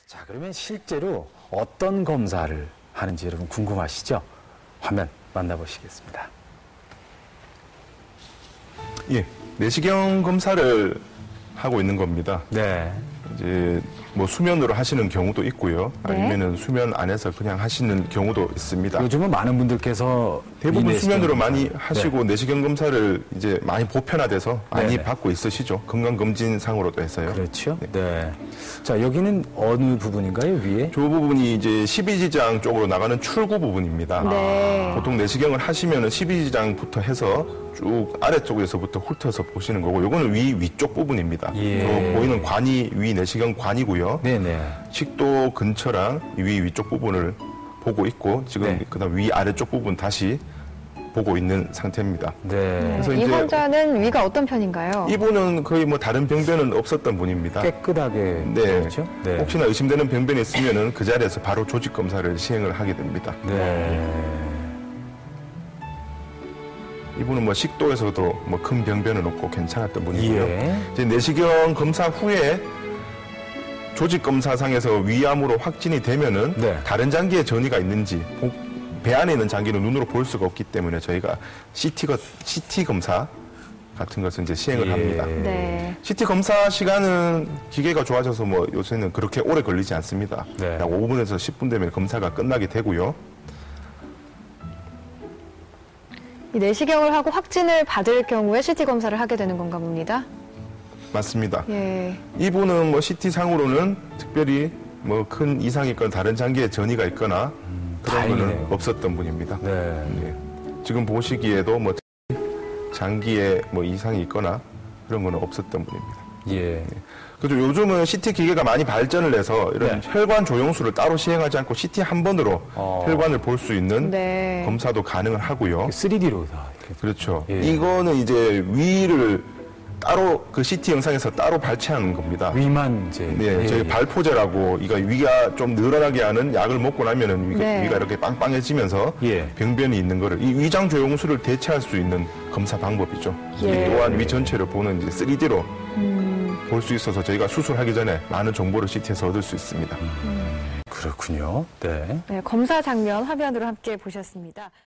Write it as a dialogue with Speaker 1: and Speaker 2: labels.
Speaker 1: 자, 그러면 실제로 어떤 검사를 하는지 여러분 궁금하시죠? 화면 만나보시겠습니다.
Speaker 2: 예, 내시경 검사를 하고 있는 겁니다.
Speaker 1: 네.
Speaker 2: 이제 뭐 수면으로 하시는 경우도 있고요.
Speaker 3: 네.
Speaker 2: 아니면은 수면 안에서 그냥 하시는 경우도 있습니다.
Speaker 1: 요즘은 많은 분들께서
Speaker 2: 대부분
Speaker 1: 이
Speaker 2: 수면으로
Speaker 1: 내시경
Speaker 2: 많이
Speaker 1: 검사.
Speaker 2: 하시고 내시경 검사를 이제 많이 보편화돼서 많이
Speaker 1: 네네.
Speaker 2: 받고 있으시죠. 건강검진상으로도 해서요.
Speaker 1: 그렇죠. 네. 자, 여기는 어느 부분인가요, 위에?
Speaker 2: 저 부분이 이제 십이지장 쪽으로 나가는 출구 부분입니다.
Speaker 3: 네.
Speaker 2: 보통 내시경을 하시면은 십이지장부터 해서 쭉 아래쪽에서부터 훑어서 보시는 거고, 요거는 위쪽 부분입니다.
Speaker 1: 예.
Speaker 2: 저 보이는 관이 위 내시경 관이고요.
Speaker 1: 네네.
Speaker 2: 식도 근처랑 위쪽 부분을 보고 있고, 지금
Speaker 1: 네.
Speaker 2: 그다음 아래쪽 부분 다시 보고 있는 상태입니다.
Speaker 1: 네.
Speaker 2: 그래서
Speaker 3: 이
Speaker 2: 이제
Speaker 3: 환자는 위가 어떤 편인가요?
Speaker 2: 이분은 거의 뭐 다른 병변은 없었던 분입니다.
Speaker 1: 깨끗하게.
Speaker 2: 네.
Speaker 1: 그렇죠? 네.
Speaker 2: 혹시나 의심되는 병변이 있으면은 그 자리에서 바로 조직 검사를 시행을 하게 됩니다.
Speaker 1: 네.
Speaker 2: 이분은 뭐 식도에서도 뭐 큰 병변은 없고 괜찮았던 분이고요.
Speaker 1: 예.
Speaker 2: 이제 내시경 검사 후에 조직 검사상에서 위암으로 확진이 되면은
Speaker 1: 네.
Speaker 2: 다른 장기에 전이가 있는지 배 안에 있는 장기는 눈으로 볼 수가 없기 때문에 저희가 CT 검사 같은 것을 이제 시행을
Speaker 1: 예.
Speaker 2: 합니다.
Speaker 3: 네.
Speaker 2: CT 검사 시간은 기계가 좋아져서 뭐 요새는 그렇게 오래 걸리지 않습니다.
Speaker 1: 네.
Speaker 2: 약 5분에서 10분 되면 검사가 끝나게 되고요.
Speaker 3: 이 내시경을 하고 확진을 받을 경우에 CT 검사를 하게 되는 건가 봅니다.
Speaker 2: 맞습니다.
Speaker 3: 예.
Speaker 2: 이분은 뭐 CT 상으로는 특별히 뭐 큰 이상이 있거나 다른 장기에 전이가 있거나 그런 거는
Speaker 1: 다행이네요.
Speaker 2: 없었던 분입니다.
Speaker 1: 네.
Speaker 2: 예. 지금 보시기에도 뭐 장기에 뭐 이상이 있거나 그런 거는 없었던 분입니다.
Speaker 1: 예.
Speaker 2: 그래서 요즘은 CT 기계가 많이 발전을 해서 이런
Speaker 1: 네.
Speaker 2: 혈관 조영술을 따로 시행하지 않고 CT 한 번으로 혈관을 볼 수 있는
Speaker 3: 네.
Speaker 2: 검사도 가능을 하고요.
Speaker 1: 3D로 다 이렇게.
Speaker 2: 그렇죠.
Speaker 1: 예.
Speaker 2: 이거는 이제 위를 따로 그 CT 영상에서 따로 발췌하는 겁니다.
Speaker 1: 위만 이제.
Speaker 2: 네,
Speaker 1: 예,
Speaker 2: 저희
Speaker 1: 예.
Speaker 2: 발포제라고 이거 위가 좀 늘어나게 하는 약을 먹고 나면은
Speaker 3: 네.
Speaker 2: 위가 이렇게 빵빵해지면서
Speaker 1: 예.
Speaker 2: 병변이 있는 거를 이 위장 조영술을 대체할 수 있는 검사 방법이죠.
Speaker 3: 예.
Speaker 2: 또한 위 전체를 보는 이제 3D로 볼 수 있어서 저희가 수술하기 전에 많은 정보를 CT에서 얻을 수 있습니다.
Speaker 1: 그렇군요. 네.
Speaker 3: 네, 검사 장면 화면으로 함께 보셨습니다.